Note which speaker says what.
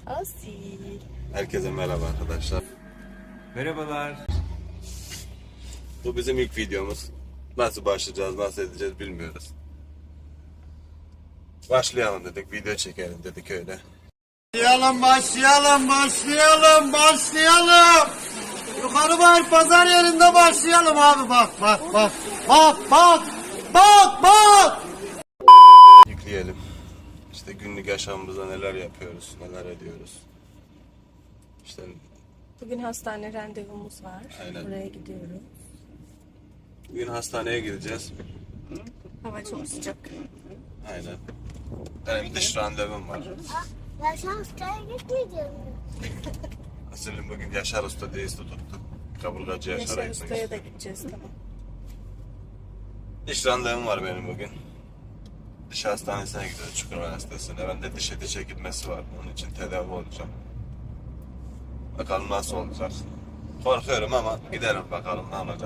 Speaker 1: Asil.
Speaker 2: Herkese merhaba arkadaşlar.
Speaker 3: Merhabalar.
Speaker 2: Bu bizim ilk videomuz. Nasıl başlayacağız, nasıl edeceğiz bilmiyoruz. Başlayalım dedik, video çekelim dedik öyle.
Speaker 4: Başlayalım. Yukarı var pazar yerinde başlayalım abi bak.
Speaker 2: Yükleyelim. İşte günlük yaşamımızda neler yapıyoruz, neler ediyoruz. İşte
Speaker 1: Bugün hastane randevumuz var.
Speaker 2: Aynen.
Speaker 1: Buraya gidiyorum.
Speaker 2: bugün hastaneye gideceğiz.
Speaker 1: Hava çok sıcak.
Speaker 2: Aynen. Benim dış randevum var.
Speaker 5: Ya sen hastaya gitmeyeceksin.
Speaker 2: Aslında bugün Yaşar Usta diye tuttuk. Kaburgacı Yaşar'a
Speaker 1: Yaşar
Speaker 2: gitmek
Speaker 1: Usta'ya da
Speaker 2: istiyorum.
Speaker 1: gideceğiz tamam.
Speaker 2: Diş randevum var benim bugün. Diş hastanesine gidiyoruz, Çukurova Üniversitesi'ne. Ben de diş eti çekilmesi var. Onun için tedavi olacağım. Bakalım nasıl olacak. Korkuyorum ama gidelim bakalım ne olacak.